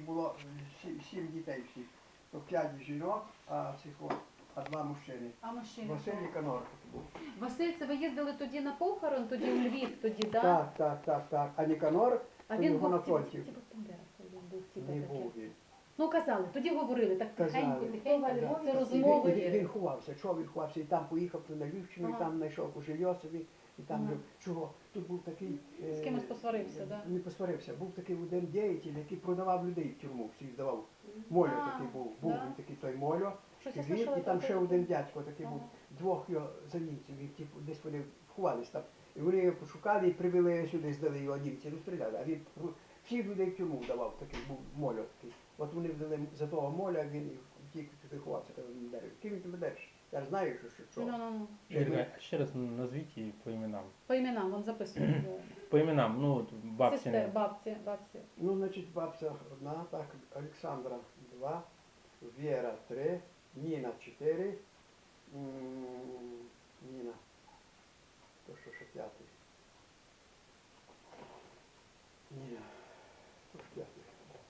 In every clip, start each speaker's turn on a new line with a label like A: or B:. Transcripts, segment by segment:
A: було 7 дітей всіх. То 5 жінок, а 2 мужчини.
B: А мужчини?
A: Василь Ніканор був.
B: Василь, це ви їздили тоді на похорон, тоді у Львів, тоді, да?
A: Так. А Ніканор,
B: А
A: то
B: він
A: його
B: був
A: на
B: в
A: фронті.
B: Він був
A: Не був він.
B: Ну, казали, тоді говорили, так тихенько,
A: Казали.
B: тихенько,
A: Да.
B: це
A: І
B: розмови.
A: він ховався, чого він ховався, і там поїхав на Львівщину, і там знайшов у Жильосові, і там жив. Чого? Тут був такий...
B: З кимось посварився, так?
A: Не посварився. Був такий один діятель, який продавав людей в тюрму, всіх здавав. Мольо такий був. Був він такий той Мольо. І там ще один дядько такий був. Двох його за німців, десь вони ховались там. І вони його пошукали і привели сюди, здали його німці, розстріляли. А він всіх людей в тюрму вдавав, такий був Мольо такий. От вони вдали за того Моля, він втік, туди ховався, коли він дерев. Ким він тебе держиш? Я ж знаю, що.
C: Ще раз назвіть її по іменам.
B: По іменам, він записує.
C: По іменам, ну, от бабці.
B: Сестер, бабці.
A: Ну, значить, бабця одна, так, Олександра 2, Віра 3, Ніна 4, Ніна, то що ще п'ятий. Ніна, то ж п'ятий.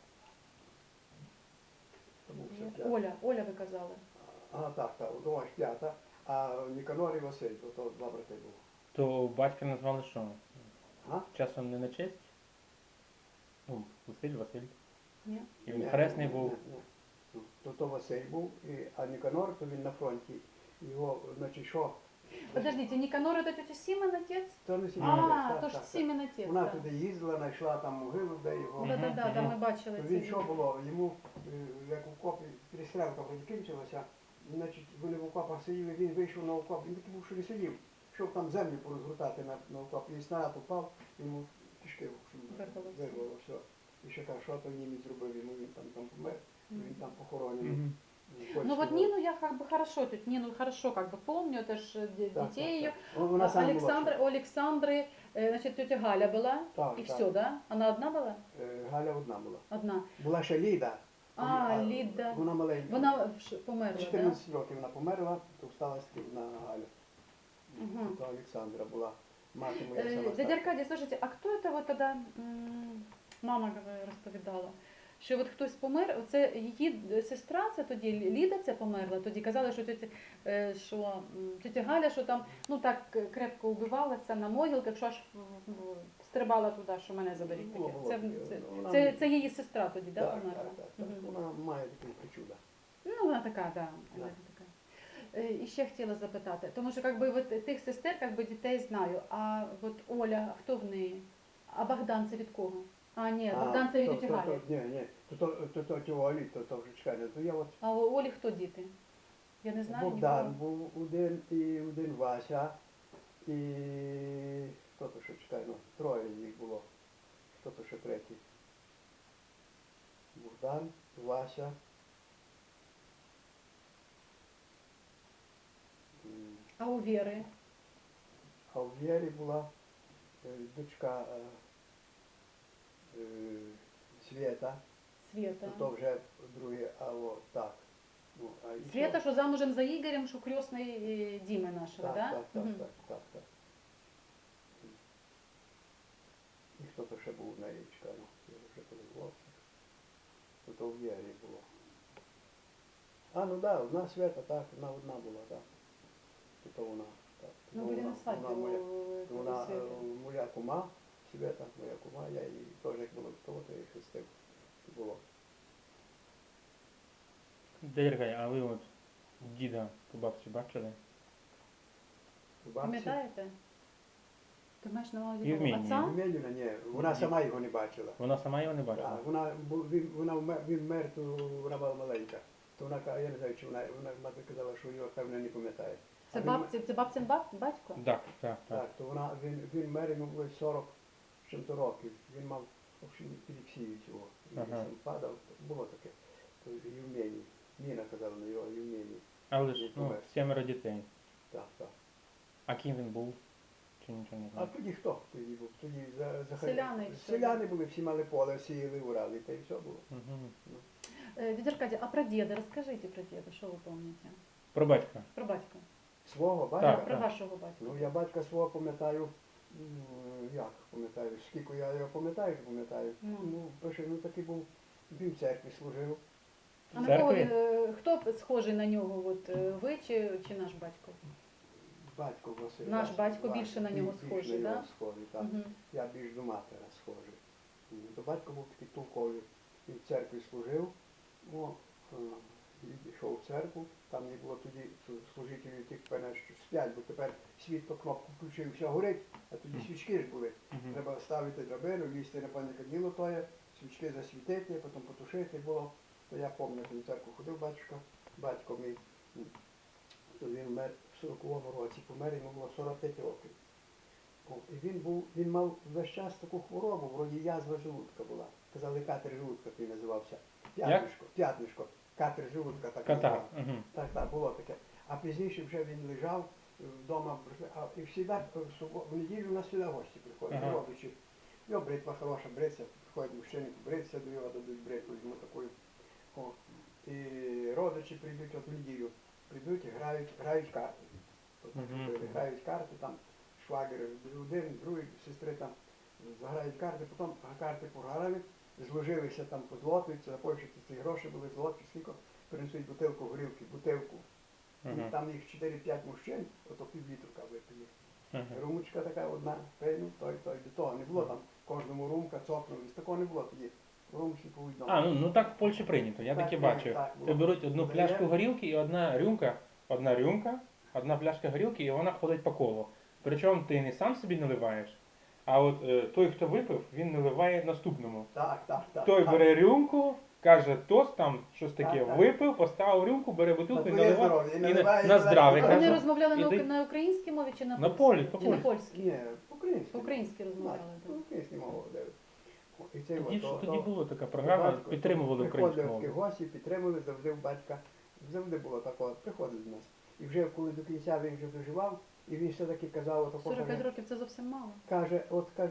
A: Тому все п'ятий.
B: Оля ви казали.
A: Так, думаю, п'ята, а Ніканор і Василь, то 2 брати було.
C: То батька назвали що?
A: А?
C: Часом не на честь? Ну, Василь.
B: Ні.
C: І він хресний був.
A: Ні. То Василь був, а Ніканор, то він на фронті. Його, значить, що?
B: Подождите, Ніканор – це тетя Сімен отець?
A: То не Сімен
B: А,
A: отець,
B: то ж Сімен отець,
A: Вона
B: так.
A: туди їздила, знайшла там могилу, де його.
B: Да, ми бачили
A: Він
B: це.
A: що було, йому, як в окопі перестрілка вроді кінчилася, значить, вони в окопах сиділи, він вийшов на окоп, він такий був, що не сидів, щоб там землю порозгортати на окоп, і снаряд упав, йому кишки вирвало все. І ще каже, що то німець зробив, йому він там помер, він там похоронений.
B: Ну вот Нину я как бы хорошо, Нину хорошо как бы помню, это ж детей ее. У Александры, значит, тетя Галя была, и все, да? Она одна была?
A: Галя одна була.
B: Одна.
A: Була ще Ліда.
B: Ліда.
A: Вона маленька.
B: Вона померла,
A: 14 років вона померла, то встала на Галю.
B: Угу.
A: То Олександра була, мати моя сама.
B: Дядя Аркадий, слушайте, а кто это вот тогда, мама розповідала, що от хтось помер, оце її сестра, це тоді Ліда ця померла, тоді казали, що тетя Галя, що там, ну так крепко убивалася на могилках, що аж стрибала туди, що мене заберіть таке. Це її сестра тоді, да, померла?
A: Так. Вона має такі причуда.
B: Ну, вона така, да. І ще хотіла запитати, тому що как би, от, тих сестер как би, дітей знаю, а от Оля, хто в неї? А Богдан це від кого? А, ні, Богдан це від тіті Галі.
A: Ні, то ті Олі, то вже чекай, то я от...
B: А у Олі хто діти? Я не знаю.
A: Богдан був один Вася, і хто то ще чекай, ну, 3 їх було, хто то ще 3. Богдан, Вася.
B: А у Віри?
A: А у Вєрі була дочка Свєта.
B: Свєта.
A: То вже друге, а от так. Ну,
B: Свєта, що замужем за Ігорем, що крісний Діми нашого, так?
A: Так. І хто то ще був на річка, ну, я вже подивився. То в Вєрі було. Ну так, одна Свєта, так, вона одна була, так. То вона, так.
B: Ну, були на свадьбі у
A: вона моя кума, Свєта, моя кума, я її теж як було того, то я її хрестив. Було.
C: Дядя Аркадій, а ви от діда по бабці бачили?
B: Пам'ятаєте? Ти маєш на увазі
C: отця?
A: Євменівна, ні, вона сама його не бачила.
C: Вона сама його не бачила?
A: Так, він вмер, то вона була маленька. То вона, я не знаю, чи вона мати казала, що його, певно, не пам'ятає.
B: Це бабцин батько?
C: Так.
A: То він вмер, йому було 40 з чим-то років. Він мав, в общем, епілепсію цього. І сам падав, було таке. То Євменій. Ніна казала на його Євменій.
C: Але ж, 7 дітей.
A: Так.
C: А ким він був? Чи нічого не знаю?
A: А тоді хто тоді був? Тоді
B: Селяни.
A: Селяни були, всі мали поле, сіяли, урали, та й все було.
B: Дядя Аркадій, а про діда? Розкажіть про діда, що ви пам'ятаєте?
C: Про батька.
B: Про батька.
A: Свого батька?
B: Так, про вашого батька.
A: Ну, я батька свого пам'ятаю, як пам'ятаю, скільки я його пам'ятаю, Ну, такий був Він в церкві служив.
B: А на
C: Церкві?
B: кого, хто схожий на нього? От, ви чи наш батько?
A: Батько Василь.
B: Наш батько більше на нього схожий,
A: да?
B: да?
A: Схожий, так.
B: Мгм.
A: Я більш до матері схожий. То батько був такий толковий. Він в церкві служив, йшов в церкву, там не було тоді служителів тих, певне, що сплять, бо тепер світло кнопку включив, все горить, а тоді свічки ж були.
C: Мгм.
A: Треба ставити драбину, лізти на пане каділо тоє, свічки засвітити, потім потушити було. То я пам'ятаю, в церкву ходив батько мій, то він вмер в 40-му році, помер, йому було 45 років. І він мав весь час таку хворобу, вроді язва желудка була. Казали, катер желудка той називався. П'ятнишко. Катер желудка так
C: Катар.
A: називав.
C: Угу.
A: Так, було таке. А пізніше вже він лежав вдома, і в неділю у нас сюди гості приходять,
C: Ага.
A: родичі. Його бритва хороша, бриться, приходять мужчини, бриться до його, дадуть бритву, йому такою. І родичі прийдуть от в неділю, прийдуть і грають карти.
C: Мгм.
A: Грають карти, там швагер один, другий, сестри там заграють карти, потім карти програли, зложилися там, позлотуються, започуються ці гроші були злоті, скільки принесуть бутилку горілки, бутилку.
C: Ага.
A: І там їх 4-5 мужчин, ото півлітрука випили.
C: Ага.
A: Румочка така одна, пейну, той, до того не було там, кожному румка, цокнулись, такого не було тоді. Румки по одному.
C: А, ну так в Польщі прийнято, я
A: Так,
C: таке
A: так,
C: бачив.
A: так,
C: Ти
A: було.
C: беруть одну
A: Подає.
C: пляшку горілки і одна рюмка, одна пляшка горілки, і вона ходить по колу. Причому ти не сам собі наливаєш, а от той, хто випив, він наливає наступному.
A: Так.
C: Той
A: так.
C: бере рюмку, каже тост там, щось таке,
A: Так, так.
C: випив, поставив рюмку, бере бутилку і
A: твоє
C: наливає.
A: здоров'я, і
C: І
A: наливає,
C: на здраве,
B: А
A: наливає.
B: вони
C: каже.
B: розмовляли
C: і дай-
B: на українській мові чи на
C: На
B: польській?
C: полі,
B: Чи на
C: по-польськи.
B: польській?
A: Ні, по-українськи.
B: По-українськи розмовляли. так.
A: По-українськи мову говорили. І це
C: Тоді була така програма, підтримували українську
A: Приходили такі
C: мову.
A: гості, підтримували, завжди в батька. Завжди було такого, приходили до нас. І вже коли до кінця він вже доживав, і він все-таки казав, отако,
B: 45 років це зовсім мало.
A: каже,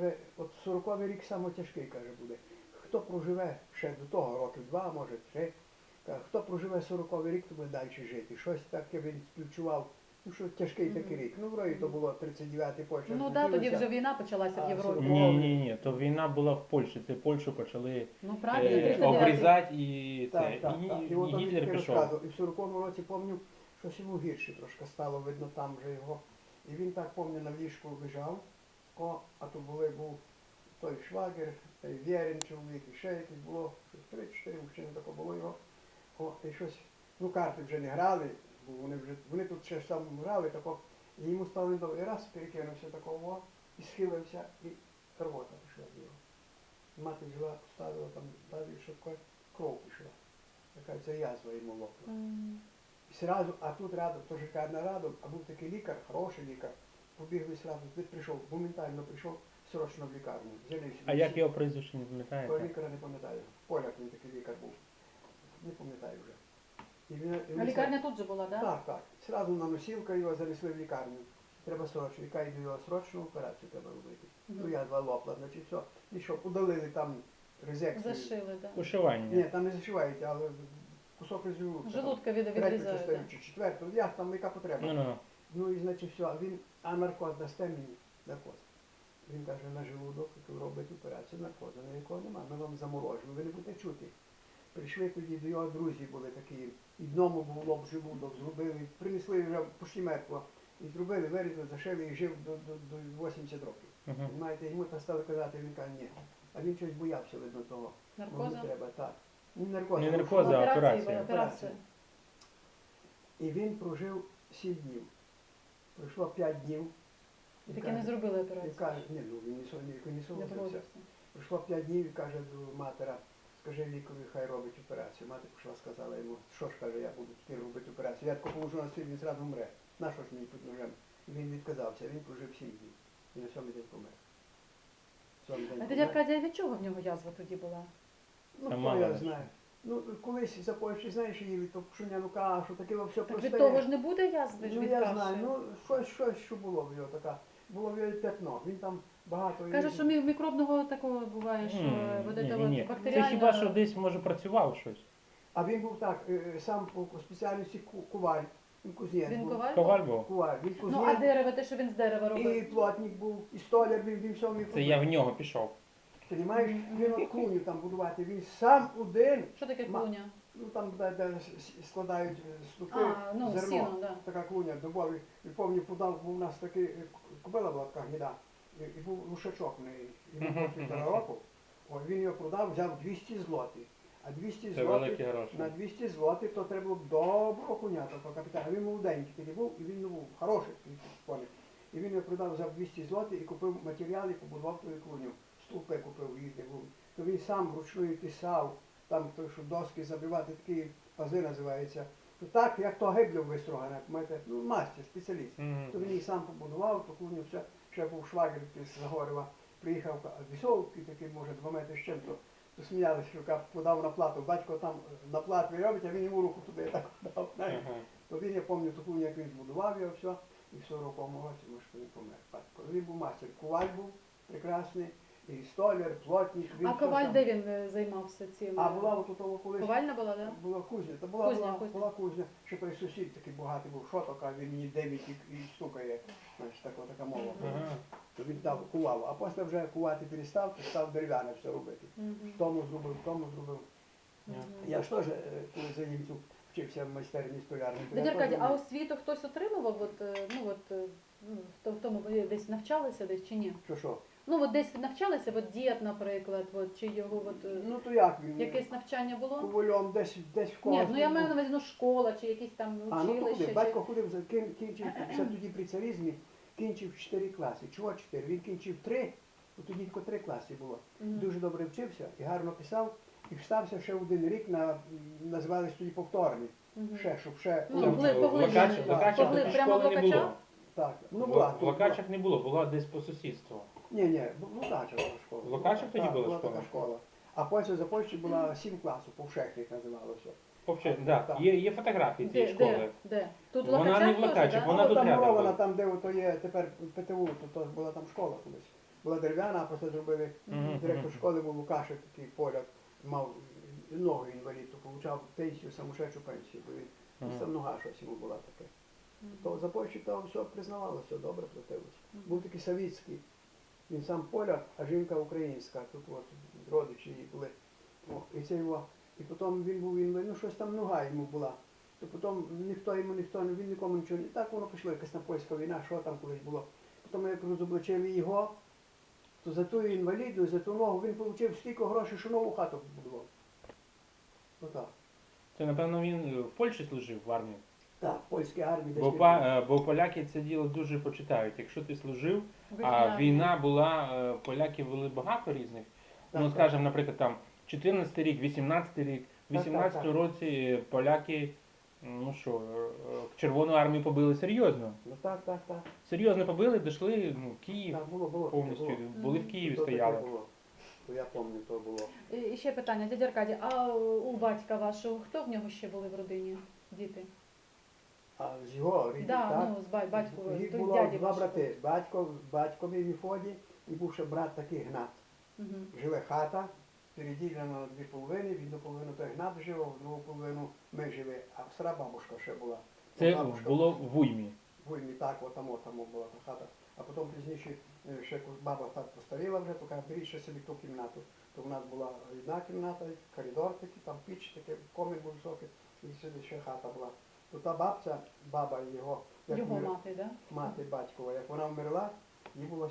A: от 40-й рік саме тяжкий, каже, буде. Хто проживе ще до того, років 2, може 3, каже, хто проживе 40-й рік, то буде далі жити. Щось таке він співчував, ну що тяжкий такий рік. Ну, вроді то було 39-й почерк.
B: Ну так, тоді вже війна почалася в
A: А,
B: Європі.
C: Ні, то війна була в Польщі, це Польщу почали
B: Ну правильно, 39-й.
C: обрізати і це.
A: Так.
C: І
A: от він
C: Гітлер
A: таки
C: пішов.
A: розказував. І в 40-му році, пам'ятаю, щось йому гірше трошки стало, видно, там вже його. І він так, пам'ятаю, на ліжку лежав, а то був той швагер, той Вєрін чоловік, і ще якийсь було, щось 3-4 мужчини тако було його. І щось, ну карти вже не грали, бо вони тут ще ж там грали, тако, і йому стало недобре. І раз перекинувся такого, і схилився, і рвота пішла з нього. Мати взяла, поставила там далі, що таке, кров пішла. Така це язва йому лопнула.
B: М.
A: І сразу, а тут рядом, теж лікарня рядом, а був такий лікар, хороший лікар, побігли сразу, туди прийшов, моментально прийшов срочно в лікарню. Взяли
C: А як його прізвище не
A: Того
C: пам'ятаєте?
A: лікаря не пам'ятаю. Поляк він такий лікар був. Не пам'ятаю вже.
B: А лікарня тут же була, так?
A: Так. Сразу на носілка його занесли в лікарню. Треба срочно, яка йде його срочну операцію треба робити.
B: Мгм.
A: Ну я два лопла, значить все. І що, удалили там резекцію.
B: Зашили, так.
A: Ні,
C: Ушивання.
A: там не зашивають, але кусок із желудка.
B: Желудка
A: Третю
B: відрізають.
A: частину
B: так.
A: чи четверту, як там, яка потреба.
C: Ну.
A: Ну і значить все, а наркоз дасте мені, наркоз. Він каже, на желудок, який робить операцію, наркозу, ніякого немає, ми вам заморожуємо, ви не будете чути. Прийшли тоді до його друзі були такі, і одному був лоб желудок, зробили, принесли вже почти мертво, і зробили, вирізали, зашили і жив до 80 років.
C: Угу.
A: Знаєте, йому та стали казати, він каже, ні. А він щось боявся, видно, того.
B: Наркоза?
A: Не треба, так. Не наркоза.
C: Не
A: ну,
C: наркоза,
A: що?
C: а
B: Операція.
C: операція.
B: Операція.
A: І він прожив 7 днів. Пройшло 5 днів.
B: І таки не зробили
A: І
B: операцію.
A: каже, ні, ну він не
B: Не
A: согласився.
B: погодився.
A: Пройшло 5 днів і каже до матера, скажи лікарю, хай робить операцію. Мати пішла, сказала йому, що ж каже, я буду тепер робити операцію. Я тако поможу на світ, він зразу вмре. На що ж мені під ножем? І він відказався, він прожив 7 днів. І на 7-й день помер. 7-й день
B: А
A: помер.
B: дядя Аркадія, від чого в нього язва тоді була?
A: Ну,
C: Та
A: хто
C: мало
A: я
C: ли.
A: знаю. Ну, колись за Польщі, знаєш, їли то пшеняну кашу, таке все
B: Так
A: просте.
B: від того ж не буде язви, ж
A: Ну,
B: від
A: я
B: каші.
A: знаю, ну, щось, що було в його така. Було в його п'ятно. Він там багато...
B: Каже, що мікробного такого буває, що вот это
C: Ні.
B: вот
C: Це
B: бактеріальна...
C: хіба що десь може працював щось.
A: А він був так, сам по спеціальності куваль. Він кузнець
B: Він
A: був.
B: коваль?
C: Коваль був.
A: Куваль. Він
B: Ну, а
A: кузнець,
B: дерево, те, що він з дерева
A: і
B: робив.
A: плотник був, і столяр, він все вмів.
C: Це я в нього пішов.
A: Понімаєш? Він от клуню там будувати, він сам один.
B: Що таке
A: Ма-
B: клуня?
A: Ну там, де складають ступи,
B: А, ну,
A: зерно.
B: сіно, да.
A: Така клуня дубовий. І пам'ятаю, подав, був у нас такий, кобила була така гніда, і був лушачок в неї. Йому було 1,5 року. О, він його продав, взяв 200 злотих. А 200
C: Це великі
A: злотих,
C: гроші.
A: на 200 злотих, то треба було б доброго коня, такого капітана. Він молоденький тоді був, і він був хороший такий коник. І він його продав, взяв 200 злотих і купив матеріал і побудував ту клуню. Стовпи купив різні був. То він сам вручную писав, там той, що доски забивати, такі пази називаються. То так, як то гиблю вистрогане, ну мастер, спеціаліст.
C: Мгм.
A: То він її сам побудував, ту клуню, все. Ще був швагер з Загорєва, приїхав вісовки, такий, може, 2 метри з чим-то. То сміялися, що подав на плату. Батько там на платві робить, а він йому руку туди так дав. знаєш.
C: Ага.
A: То він, я пам'ятаю ту клуню, як він збудував його, все. І в 40-му році, може, він помер. Батько. Він був мастер. Коваль був прекрасний, і столяр, плотник.
B: А
A: все
B: коваль
A: сам.
B: де він займався цим?
A: А була от у того колись.
B: Ковальна була, да?
A: Була кузня, та
B: Кузня.
A: була кузня, що той сусід такий багатий був, що така, він мені 9 і стукає, значить, така мова.
C: Ага.
A: То він там кував, а після вже кувати перестав, то став дерев'яне все робити.
B: Мгм.
A: Тому зробив.
B: Мгм.
A: Я ж теж, коли за німців вчився в майстерні столярні. то я
B: Дядя Аркадій,
A: теж
B: а
A: вмів.
B: освіту хтось отримував? В тому ви десь навчалися десь чи ні?
A: Що?
B: Ну от десь навчалися, от дід, наприклад, от, чи його
A: Ну то як він?
B: якесь навчання було?
A: Ковальом десь в когось.
B: Ні, ну я маю на увазі, ну школа чи якісь там
A: А, ну то
B: училище.
A: куди? Батько ходив, кінчив, ще тоді при царизмі, кінчив 4 класи. Чого 4? Він кінчив 3, тоді тільки 3 класи було.
B: Мгм.
A: Дуже добре вчився і гарно писав. І встався ще 1 рік називались тоді повторний.
B: Мгм.
A: Щоб ще.
B: Ну,
C: Там
B: поглиблення.
C: в Локачах
B: Поглиб-
C: такі
B: прямо в
C: школи не було.
B: Локачах?
A: Так, була.
C: В Локачах не було, була десь по сусідству.
A: Ні, в Лукачах була школа.
C: В Лукачах тоді
A: Так,
C: була
A: була
C: школа?
A: така школа. А потім за Польщі була 7 класів, повшехник називалося.
C: Взагалі, да,
A: Так.
C: є фотографії цієї школи.
B: Де? Тут в
C: Вона
B: Локачах
C: не в
B: теж,
C: Локачах,
B: да?
C: вона
A: Ну,
C: тут
A: там
C: рядом
A: мурована,
C: була.
A: там де ото є тепер ПТУ, то була там школа колись. Була дерев'яна, а після зробили
C: Мгм,
A: директор
C: мгм.
A: школи був Лукашик, такий поляк, мав ногу інвалід, то отримав пенсію, самошедшу пенсію, бо він
C: Мгм.
A: там нога щось йому була таке.
B: Мгм.
A: То за Польщі то все признавалося, добре платилося.
B: Мгм.
A: Був такий Савіцький, він сам поляк, а жінка українська, тут от родичі її були. О, і це його, і потім він був інвалід, ну щось там нога йому була. То потім він нікому нічого не так, воно пішло, якась там польська війна, що там колись було. Потім як розоблачили його, то за ту інвалідність, за ту ногу він отримав стільки грошей, що нову хату побудував. Отак.
C: Це, напевно, він в Польщі служив в армії.
A: Так, польській армії десь.
C: Бо поляки це діло дуже почитають. Якщо ти служив, а
B: Вихідна.
C: війна була, поляки вели багато різних.
A: Так,
C: Ну,
A: так.
C: скажімо, наприклад, там 14 рік, 18 рік. В
A: Так,
C: 18
A: так.
C: році поляки, ну що, Червону армію побили серйозно.
A: Ну так.
C: Серйозно побили, дійшли, ну, Київ
A: Так, було.
C: повністю.
A: було.
C: Були в Києві,
A: То таке
C: стояли.
A: було. То я пам'ятаю, то було.
B: І ще питання, дядя Аркадій, а у батька вашого, хто в нього ще були в родині? Діти?
A: А з його рідних,
B: Да,
A: так?
B: ну, з батько,
A: Їх
B: то есть
A: було
B: дяді
A: 2
B: вашого.
A: брати. Батькові Міфоді і був ще брат такий Гнат.
B: Мгм.
A: Живе хата, переділена на 2 половини, в одну половину той Гнат жив, а в другу половину ми живі. А стара бабушка ще була.
C: Це
A: Бабушка
C: було в Уймі.
A: Войні так, отам була та хата. А потім пізніше ще баба так постаріла вже, то каже, беріть ще собі ту кімнату. То в нас була одна кімната, коридор такий, там піч, такий, комін був високий, і сюди ще хата була. То та бабця, баба його, як
B: Його
A: вмер-
B: мати, да?
A: мати батькова, як вона вмерла, їй було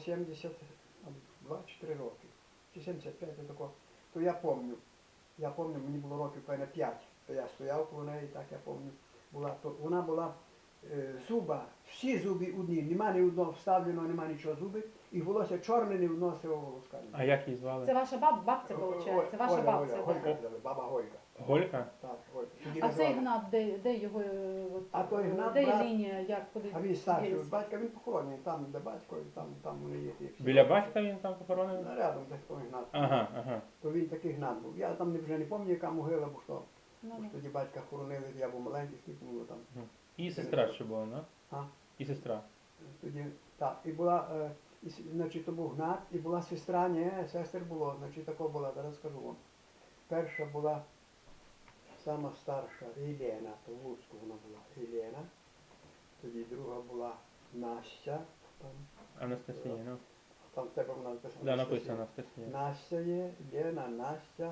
A: 72-4 роки. Чи 75 тако. То я пам'ятаю, мені було років певне 5. То я стояв коло неї, так я пам'ятаю. Вона була зуба, всі зуби одні, нема ні одного вставленого, нема нічого зуби, і волосся чорне, ні одного сивого волоска.
C: А як її звали?
B: Це ваша бабця, виходить? Це ваша бабця,
A: Голька,
B: да?
A: казали, баба Голька.
C: Голька?
A: Так, Голька. Тоді
B: А цей
A: називали.
B: Гнат, де його, от,
A: А той Гнат,
B: де
A: брат-
B: лінія, як, куди?
A: А він старший від
B: ділиться?
A: батька, він похоронений, там, де батько, і там вони є. ті всі.
C: Біля батька він там похоронений?
A: Рядом десь той Гнат.
C: Ага.
A: То він такий Гнат був. Я там вже не пам'ятаю, яка могила, бо що.
B: Ну,
A: Бо
B: ну.
A: ж тоді батька хоронили, я був маленький, скільки було там.
C: І сестра ще була, да?
A: А?
C: І сестра.
A: Тоді, так, і була, значить, то був Гнат, і була сестра, ні, сестер було, значить, тако була, зараз скажу вам. Перша була сама старша Єлена, то в Луцьку вона була Єлена. Тоді друга була Настя, там,
C: Анастасія, ну.
A: Там в тебе вона написана.
C: Да, написано Анастасія.
A: Настя є, Лена, Настя.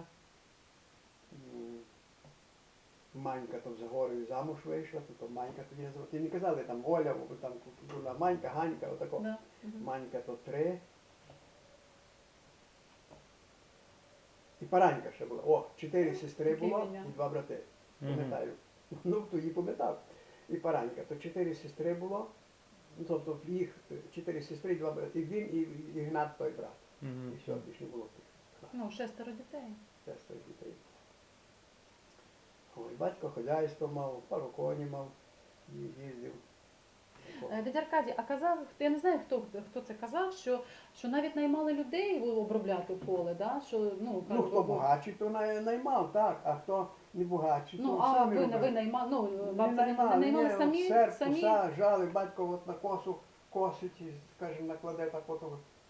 A: Манька то за горою замуж вийшла, то Манька тоді називала. Ти не казали там Оля, бо там була Манька, Ганька, отако.
B: Да. Мгм.
A: Манька то 3. І Паранька ще була. О, 4 сестри
B: Таке
A: було
B: ім'я.
A: і 2 брати.
C: Мгм.
A: Пам'ятаю. Ну, то її пам'ятав. І Паранька. То 4 сестри було. Ну, тобто їх 4 сестри, 2 брати. І він, і Ігнат той брат.
C: Мгм.
A: І все, більше не було тих.
B: Ну, 6 дітей.
A: Шестеро дітей. Ой, батько хазяйство мав, пару коні мав, їздив.
B: Дядя Аркадій, а казав, я не знаю, хто це казав, що навіть наймали людей обробляти поле, да? Що, ну,
A: Ну, хто багатший, то наймав, так, а хто не багатший, то
B: Ну, а
A: самі
B: ви
A: робили.
B: наймали, ну,
A: Не
B: бабця не наймали
A: ні,
B: самі?
A: серп,
B: самі?
A: коса, жали, батько от на косу косить, і, скаже, накладе так от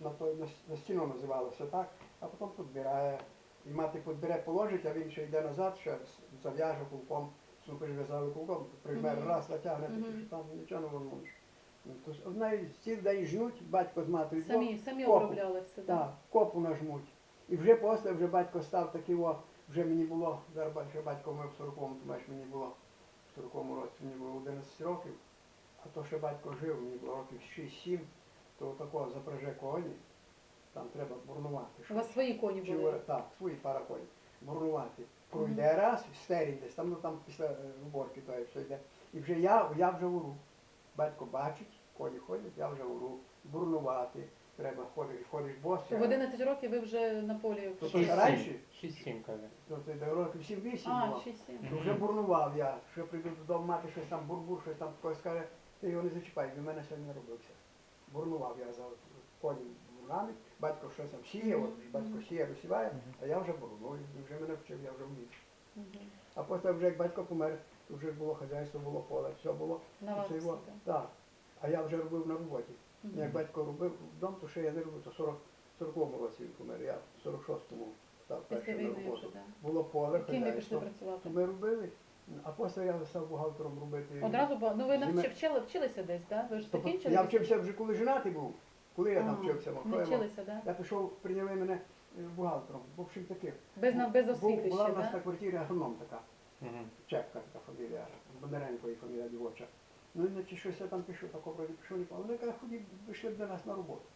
A: на стіну називалося, так, а потім підбирає. І мати підбере, положить, а він ще йде назад, ще зав'яже кулком, супер зв'язали кулком, прижме
B: Мгм.
A: раз, натягне,
B: Мгм.
A: таки, що там нічого не возьмеш. Тож одна цілий день жнуть, батько з матері
B: Самі
A: копу.
B: обробляли все, так?
A: Так, копу нажмуть. І вже після вже батько став такий, вже мені було, зараз ще батько мав в 40-му, то маєш мені було в 40-му році, мені було 11 років, а то ще батько жив, мені було років 6-7, то такого запряже коні, там треба бурнувати.
B: У вас свої коні
A: Чи
B: були?
A: так, свої пара коні. Бурнувати. Пройде раз, стерінь десь, там, ну, там після уборки то все йде. І вже я вже уру. Батько бачить, коні ходять, я вже уру. Бурнувати. Треба ходиш босий.
B: В 11 років ви вже на полі.
A: То
B: вчилися?
A: ще раніше?
C: 6-7, каже.
A: То це до років 7-8
B: А,
A: було.
B: 6-7.
A: То вже бурнував я, що прийду додому, мати щось там бурбур, щось там хтось скаже, ти його не зачіпай, він в мене сьогодні не робився. Бурнував я за коні бурнами, батько щось там сіє, от батько сіє, розсіває, а я вже бурную, і вже мене вчив, я вже вмів.
B: Мгм.
A: А потім вже як батько помер, то вже було хазяйство, було поле, все було.
B: На вас
A: Це його-
B: все,
A: Так. А я вже робив на роботі.
B: Мгм.
A: Як батько робив вдома, то ще я не робив, то 40-му році він помер, я в 46-му став
B: Після
A: першим на
B: війни вже,
A: роботу.
B: так.
A: Було поле,
B: Ким ви пішли
A: хазяйство.
B: працювати?
A: То ми робили, а потім я став бухгалтером робити.
B: Одразу, ну ви
A: Зиме-
B: вчилися десь, так? Ви ж
A: Тобто
B: закінчили?
A: я вчився вже коли женатий був. Коли я там
B: Ага,
A: вчився,
B: Не
A: що я мав?
B: вчилися, так?
A: Я пішов, прийняли мене бухгалтером. В общем таки.
B: Без освіти
A: Була
B: ще,
A: в нас на
B: так?
A: квартирі агроном така.
C: Мгм.
A: Чепка така фамілія, Бондаренко фамілія дівоча. Ну, іначе щось я там пишу, так вроді пішов, не пам'ятаю. Вони кажуть, ході, вийшли б до нас на роботу.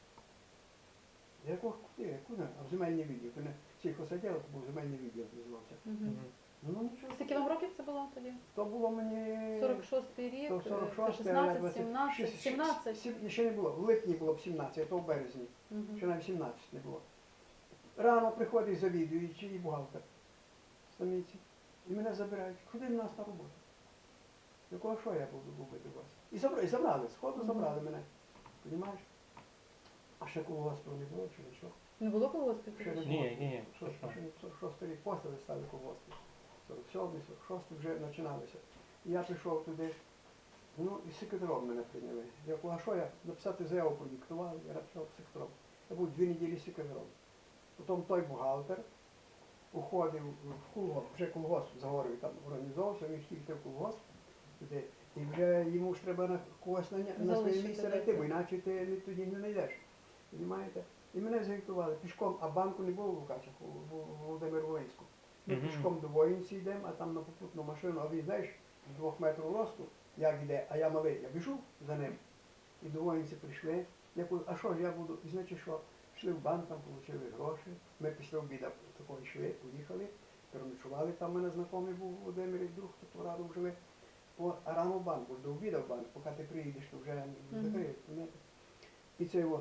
A: Я кажу, куди? А в земельний відділ. То не сільхозоділ, то був земельний відділ, називався.
B: Мгм.
C: Мгм.
A: Ну нічого.
B: Скільки вам років це було тоді?
A: То було мені...
B: 46-й рік,
A: то 46,
B: 16, 17, 17.
A: Ще не було, в липні було б 17, а то в березні.
B: Мгм.
A: Ще навіть 17 не було. Рано приходить завідуючий і бухгалтер. Саміці. І мене забирають. Ходи до нас на роботу. Я кажу, що я буду робити у вас? І забрали, сходу
B: Мгм.
A: забрали мене. Понімаєш? А ще колгоспу не було, чи нічого.
B: Не було колгоспів?
A: Ще не
B: тоді?
A: було.
C: Ні,
A: Що
C: це що?
A: ще не 46 рік після стали колгоспи. 47-й, 46-й вже починалися. І я прийшов туди, ну і секретаром мене прийняли. Я кажу, а що я написати заяву продиктував, я написав секретаром. Я був 2 неділі секретаром. Потім той бухгалтер уходив в колгосп, вже колгосп за горою там організовувався, він хотів йти в колгосп туди. І вже йому ж треба на когось на своє
B: Залишити,
A: місце
B: так,
A: знайти, бо
B: так.
A: іначе ти тоді не знайдеш. Понімаєте? І мене зготували пішком, а банку не було в Лукачах, у Володимир Волинську. Ми
C: Мгм.
A: пішком до воїнці йдемо, а там на попутну машину, а він, знаєш, 2 метрів росту, як йде, а я малий, я біжу за ним. І до воїнці прийшли. Я кажу, а що ж я буду? І значить, що пішли в банк, там отримали гроші. Ми після обіду такого йшли, поїхали, переночували. Там у мене знайомий був Володимир, і друг, хто радом жили. А рано в банку, до обіду в банк, поки ти приїдеш, то вже закриють. Розумієте? І це його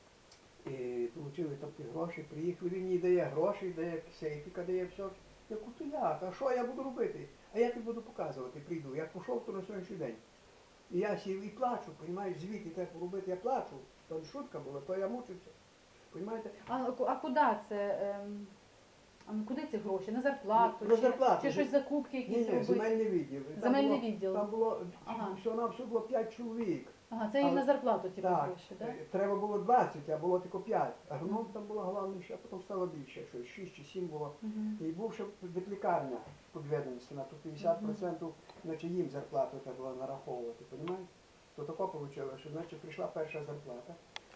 A: отримали тобто гроші, приїхали, він мені дає гроші, дає сейфіка, дає все. Я кажу, то як? А що я буду робити? А я тобі буду показувати, прийду. Я пішов, то на сьогоднішній день. І я сів і плачу, розумієш, звідти треба робити, я плачу. То не шутка була, то я мучився. Розумієте?
B: А куди це? Куди ці гроші? На зарплату?
A: На зарплату.
B: Чи щось закупки
A: Ні,
B: якісь
A: ні,
B: робити?
A: земельний відділ. Там
B: Земельний
A: було-
B: відділ.
A: Там було,
B: Ага.
A: всього було 5 чоловік.
B: Ага, це їм
A: Але-
B: на зарплату ті
A: Так,
B: гроші, так?
A: треба було 20, а було тільки 5. Агроном там було головніше, а потім стало більше, щось 6 чи 7 було.
B: Мгм.
A: І був ще ветлікарня підведеності, на то 50%, значить їм зарплату треба було нараховувати, розумієте? То тако вийшло, що значить прийшла перша зарплата.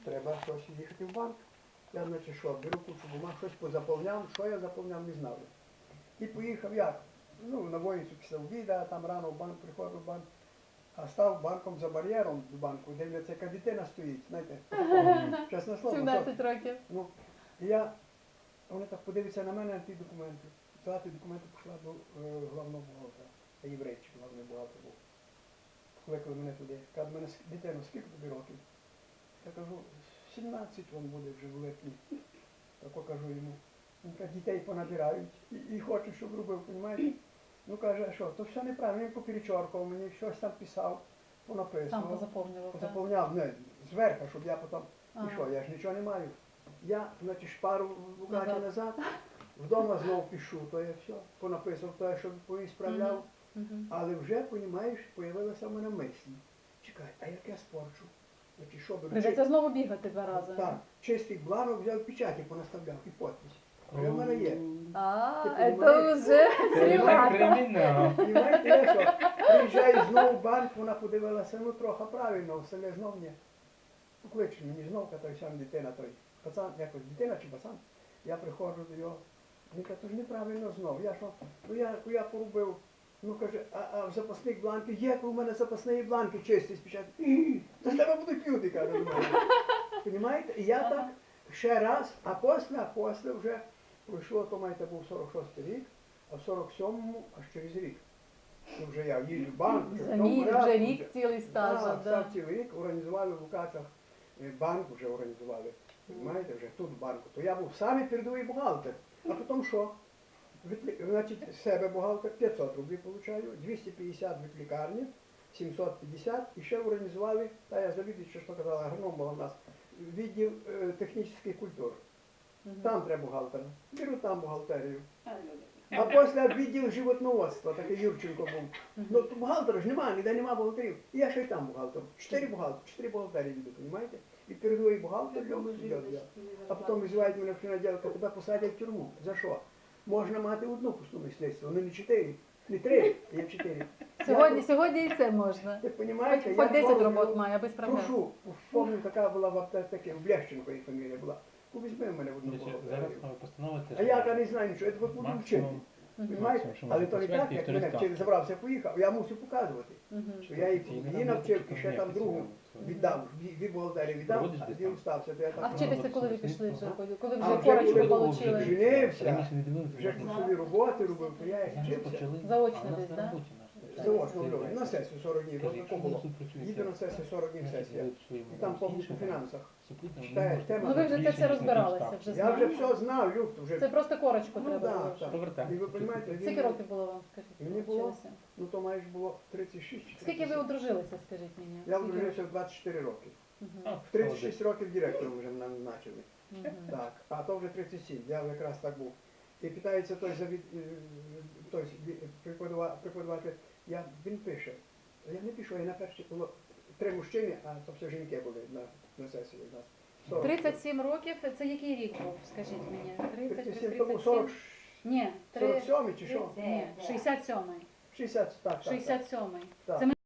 A: треба щось їхати в банк. Я, значить, що, беру кучу бумаг, щось позаповняв, що я заповняв, не знав. І поїхав як? Ну, на вулицю після обіду, там рано в банк, приходив в банк, а став банком за бар'єром до банку, дивляться, яка дитина стоїть, знаєте, чесне слово.
B: 17 років.
A: Ну, і я, вони так подивляться на мене, на ті документи. Взяла ті документи, пішла до головного бухгалтера, а єврейчик, головний бухгалтер був. Покликали мене туди, каже, мене дитину, скільки тобі років? Я кажу, 17 він буде вже в липні. Так кажу йому. Він каже, дітей понабирають і хочуть, щоб робив, розумієте? Ну каже, а що, то все неправильно, він поперечоркав мені, щось там писав,
B: Сам
A: понаписував.
B: позаповнював. так?
A: Заповняв, не, зверху, щоб я потім,
B: Ага.
A: і що, я ж нічого не маю. Я, значить, шпару в Лугаті
B: Назад.
A: назад, вдома знову пишу, то я все, понаписав, то я щоб поісправляв.
B: Мгм.
A: Але вже, розумієш, з'явилася в мене мисль. Чекай, а як я спорчу? Значить, що беру?
B: Придеться знову бігати 2 рази.
A: Так, чистий бланок взяв, печаті понаставляв і підпис. Вже в мене є.
B: А,
A: Ти
B: это
A: понимаєш?
B: уже
C: Це вже
B: серйозно.
C: кримінал.
A: Понимаєте, я що? Приїжджаю знову в банк, вона подивилася, ну трохи правильно, все не знов мені. Покличе мені знов, той сам дитина, той пацан, якось дитина чи пацан. Я приходжу до його. Він каже, то ж неправильно знов. Я що, ну я порубив. Ну каже, а в запасних бланках, як у мене запасні бланки чисті спочатку. Та з тебе будуть люди, каже до мене. Понімаєте? І я так ще раз, а після вже пройшло, то маєте був 46-й рік, а в 47-му аж через рік. Ну, вже я їжджу в банк, вже в
B: За
A: тому
B: мій
A: порядку,
B: вже рік цілий стаж.
A: Так,
B: да.
A: став цілий рік, організували в Лукачах, банк вже організували. Понимаєте, вже тут в банку. То я був самий передовий бухгалтер. А потім що? Значить, з себе бухгалтер 500 рублів получаю, 250 від лікарні, 750 і ще організували, та я завідуючи, що казала, агроном була в нас, відділ технічних культур.
B: Мгм.
A: Там треба бухгалтера. Беру там бухгалтерію. А після відділ животноводства, такий Юрченко був. Ну, то бухгалтера ж немає, ніде немає бухгалтерів. І я ще й там бухгалтер. 4 бухгалтерії веду, розумієте? І передовий бухгалтер, а потім визивають мене в понеділка, тебе посадять в тюрму. За що? Можна мати одну пусту мисливство, але не 4, не 3, є 4.
B: Сьогодні і це можна.
A: Ви розумієте?
B: Хоч 10 робот має, аби справлятися.
A: Прошу, пам'ятаю, така була в аптеці, в Лещенко їх фамілія була. Ну, візьми в мене в одну
C: Зараз
A: бухгалтерію.
C: постанова теж.
A: А я не знаю нічого, я тебе буду вчити.
C: Максимум.
A: Понимаєте?
C: що
A: Але
C: можна
A: то не
C: посвятити,
A: так, як
C: то
A: мене
C: листав.
A: вчив, забрався, поїхав, я мусив показувати.
B: Мгм.
A: Що я її навчив, і ще там другу віддав, від бухгалтерії віддав,
C: Проводиш
A: а
C: десь
A: він
C: там?
A: стався, то я
B: А
A: так.
B: вчитися, коли ви пішли вже? Коли
A: А
B: вже
A: вже
B: корочку
A: коли
B: отримали?
A: Женився,
C: Раніше не дивилися.
A: вже курсові роботи робив, то я їх
C: Зараз
A: вчився.
C: почали.
B: Заочно
C: А у нас
B: десь,
C: на
B: да?
C: роботі наш.
A: Заочно роблю. На сесію 40 днів,
C: Каже,
A: то
C: якщо
A: тако було.
C: ви тут працюєте,
A: Їду на сесію 40 днів
C: значить,
A: сесія.
C: ви в своєму
A: І там повністю
C: іншому
A: в фінансах.
C: суплітному
A: Читає
C: не можете
A: тему.
B: Ну ви вже це
C: більше,
B: все
C: ніж на
B: розбиралися,
C: півставки.
B: вже
A: Я вже
B: знали.
A: все знав, Люк, вже.
B: Це просто корочку
A: Ну,
B: треба
A: да,
B: було.
A: так.
C: Повертаєш.
A: І ви розумієте,
B: Скільки
A: він,
B: років було вам, скажіть?
A: Мені
B: ви
A: було?
B: вчилися?
A: ну то маєш було 36 чи
B: Скільки ви
A: 37.
B: одружилися, скажіть мені?
A: Я
B: Скільки
A: одружився в 24 роки.
B: років?
C: А,
A: В 36 років директором вже мене назначили.
B: Мгм.
A: Так, а то вже 37, я якраз так був. І питається той той преподаватель, він пише. Я не пишу, я на перші було 3 мужчини, а то все жінки були на сесії у нас. 40.
B: 37 років, це який рік був, скажіть мені? 30 плюс
A: 37, то був
B: 37?
A: 40,
B: Ні,
A: 47 чи що?
B: Ні, 67-й.
A: 60, так, так.
B: 67-й.
A: Так.
B: Це ми